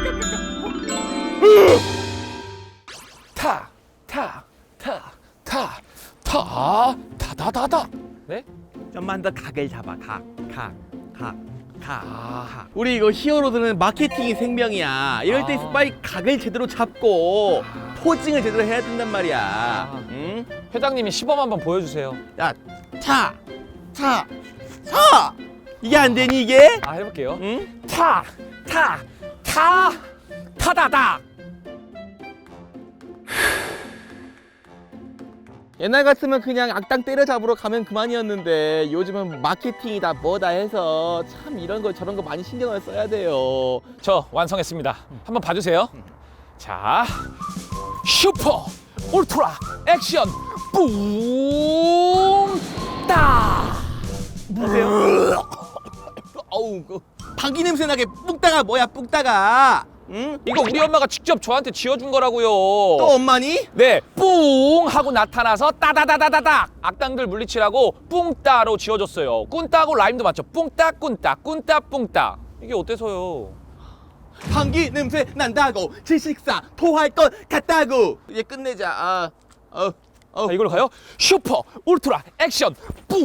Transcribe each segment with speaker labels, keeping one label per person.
Speaker 1: 타다다다. 네?
Speaker 2: 좀만 더 각을 잡아. 우리 이거 히어로들은 마케팅이 생명이야. 이럴 때 빨리 각을 제대로 잡고 포징을 제대로 해야 된단 말이야. 응?
Speaker 1: 회장님이 시범 한번 보여주세요.
Speaker 2: 야, 차. 이게 안 되니 이게?
Speaker 1: 아, 해볼게요.
Speaker 2: 응?
Speaker 1: 타다다.
Speaker 2: 옛날 같으면 그냥 악당 때려잡으러 가면 그만이었는데 요즘은 마케팅이다 뭐다 해서 참 이런 거 저런 거 많이 신경을 써야 돼요.
Speaker 1: 저 완성했습니다. 한번 봐주세요. 자, 슈퍼 울트라 액션 뿡 따.
Speaker 2: 보세요. 어우, 그 방귀 냄새 나게 뿡따가 뭐야 뿡따가? 응?
Speaker 1: 이거 우리 엄마가 직접 저한테 지어준 거라고요.
Speaker 2: 또 엄마니?
Speaker 1: 네, 뿡 하고 나타나서 따다다다다닥 악당들 물리치라고 뿡따로 지어줬어요. 꾼따고 라임도 맞죠? 뿡따 꾼따 꾼따 뿡따. 이게 어때서요?
Speaker 2: 방귀 냄새 난다고 질식사 토할 것 같다고. 이제 끝내자.
Speaker 1: 자, 이걸로 가요. 슈퍼 울트라 액션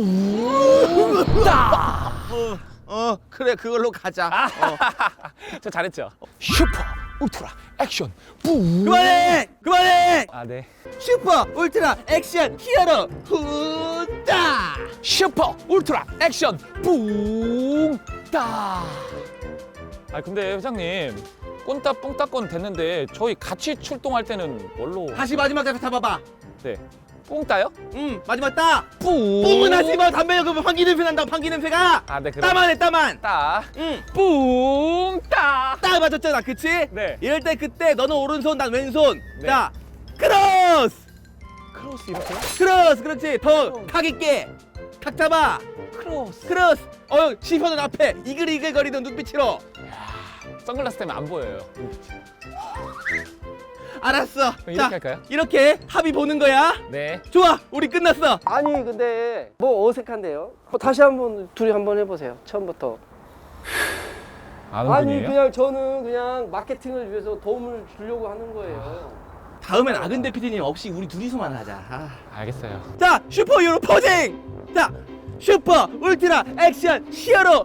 Speaker 1: 뿡 따.
Speaker 2: 그래 그걸로 가자.
Speaker 1: 저 잘했죠? 슈퍼 울트라 액션 뿡.
Speaker 2: 그만해.
Speaker 1: 아, 네.
Speaker 2: 슈퍼 울트라 액션 히어로 훈다.
Speaker 1: 슈퍼 울트라 액션 뿡 따. 아, 근데 회장님 꼰따 뿡따 됐는데 저희 같이 출동할 때는 뭘로?
Speaker 2: 다시 마지막 잡 잡아봐.
Speaker 1: 네. 뿡 따요?
Speaker 2: 마지막 따.
Speaker 1: 뿡.
Speaker 2: 뿡은 하지마. 담배 연금 방귀 냄새 난다고 방귀 냄새가.
Speaker 1: 아, 네. 그럼
Speaker 2: 따만 해 따만.
Speaker 1: 따.
Speaker 2: 응.
Speaker 1: 뿡 따.
Speaker 2: 따 맞았잖아 그치?
Speaker 1: 네.
Speaker 2: 이럴 때 그때 너는 오른손 난 왼손.
Speaker 1: 네.
Speaker 2: 자 크로스.
Speaker 1: 크로스 이렇게요?
Speaker 2: 크로스 그렇지. 더 각 있게. 각 잡아.
Speaker 1: 크로스.
Speaker 2: 크로스. 시선은 앞에 이글이글 거리던 눈빛으로.
Speaker 1: 선글라스 때문에 안 보여요.
Speaker 2: 알았어.
Speaker 1: 그럼 이렇게 할까요?
Speaker 2: 이렇게 합의 보는 거야.
Speaker 1: 네.
Speaker 2: 좋아. 우리 끝났어.
Speaker 3: 아니 근데 뭐 어색한데요? 다시 한번 둘이 한번 해보세요. 처음부터.
Speaker 1: 아는
Speaker 3: 아니
Speaker 1: 분이에요?
Speaker 3: 그냥 저는 그냥 마케팅을 위해서 도움을 주려고 하는 거예요.
Speaker 2: 다음엔 아근대 PD님 없이 우리 둘이서만 하자.
Speaker 1: 알겠어요.
Speaker 2: 자, 슈퍼히어로 포징! 자, 슈퍼 울트라 액션 히어로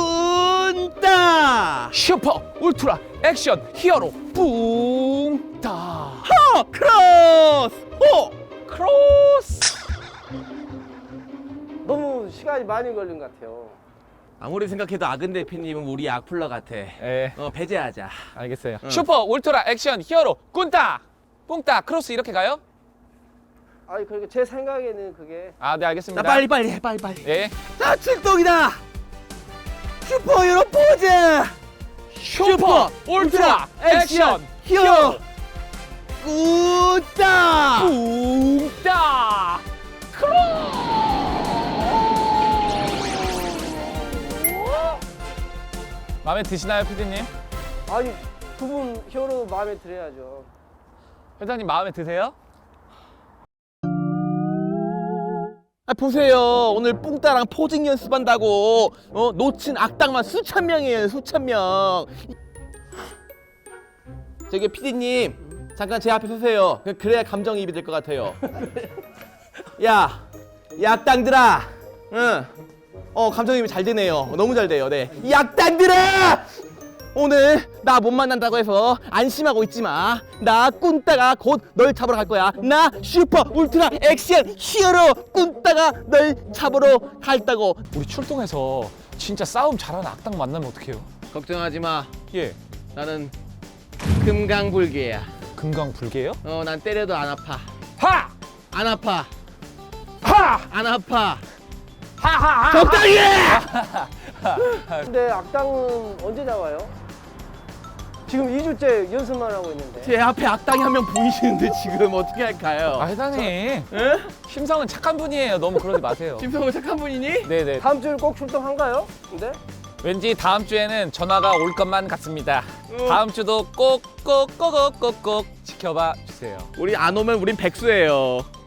Speaker 2: 뿐따!
Speaker 1: 슈퍼 울트라 액션 히어로 뿡 따.
Speaker 2: 크로스!
Speaker 1: 크로스.
Speaker 3: 너무 시간이 많이 걸린 것 같아요.
Speaker 2: 아무리 생각해도 아근대 PD님은 우리 악플러 같아.
Speaker 1: 네.
Speaker 2: 배제하자.
Speaker 1: 알겠어요. 슈퍼 울트라 액션 히어로 꾼따 뿡따 크로스 이렇게 가요?
Speaker 3: 아니 그러니까 제 생각에는 그게
Speaker 1: 아, 네, 알겠습니다.
Speaker 2: 자, 빨리 해, 빨리.
Speaker 1: 예.
Speaker 2: 자, 출동이다! 슈퍼히어로 포즈!
Speaker 1: 슈퍼 울트라 액션
Speaker 2: 히어로 뿐따!
Speaker 1: 뿡따 마음에 드시나요, 피디님?
Speaker 3: 아니 두 분 히어로 마음에 들어야죠.
Speaker 1: 회장님 마음에 드세요?
Speaker 2: 보세요. 오늘 뿡따랑 포징 연습한다고 놓친 악당만 수천 명이에요. 수천 명. 저기 PD님 잠깐 제 앞에 서세요. 그래야 감정이입이 될 것 같아요. 야, 이 악당들아. 응. 감정이입이 잘 되네요. 너무 잘 돼요. 네. 이 악당들아! 오늘 나 못 만난다고 해서 안심하고 있지 마. 나 꾼따가 곧 널 잡으러 갈 거야. 나 슈퍼 울트라 액션 히어로 꾼따가 널 잡으러 갈다고.
Speaker 1: 우리 출동해서 진짜 싸움 잘하는 악당 만나면 어떡해요?
Speaker 2: 걱정하지 마.
Speaker 1: 예.
Speaker 2: 나는 금강불개야.
Speaker 1: 금강불개요?
Speaker 2: 난 때려도 안 아파.
Speaker 1: 하!
Speaker 2: 안 아파.
Speaker 1: 하!
Speaker 2: 안 아파.
Speaker 1: 하하하!
Speaker 2: 적당히 해!
Speaker 3: 근데 악당은 언제 나와요? 지금 2주째 연습만 하고 있는데.
Speaker 2: 제 앞에 악당이 한 명 보이시는데 지금 어떻게 할까요?
Speaker 1: 아, 회장님.
Speaker 2: 에?
Speaker 1: 심성은 착한 분이에요. 너무 그러지 마세요.
Speaker 2: 김성우 착한 분이니?
Speaker 1: 네네.
Speaker 3: 다음 주에 꼭 출동한가요? 근데?
Speaker 1: 왠지 다음 주에는 전화가 올 것만 같습니다. 다음 주도 꼭꼭꼭꼭꼭 지켜봐 주세요.
Speaker 2: 우리 안 오면 우린 백수예요.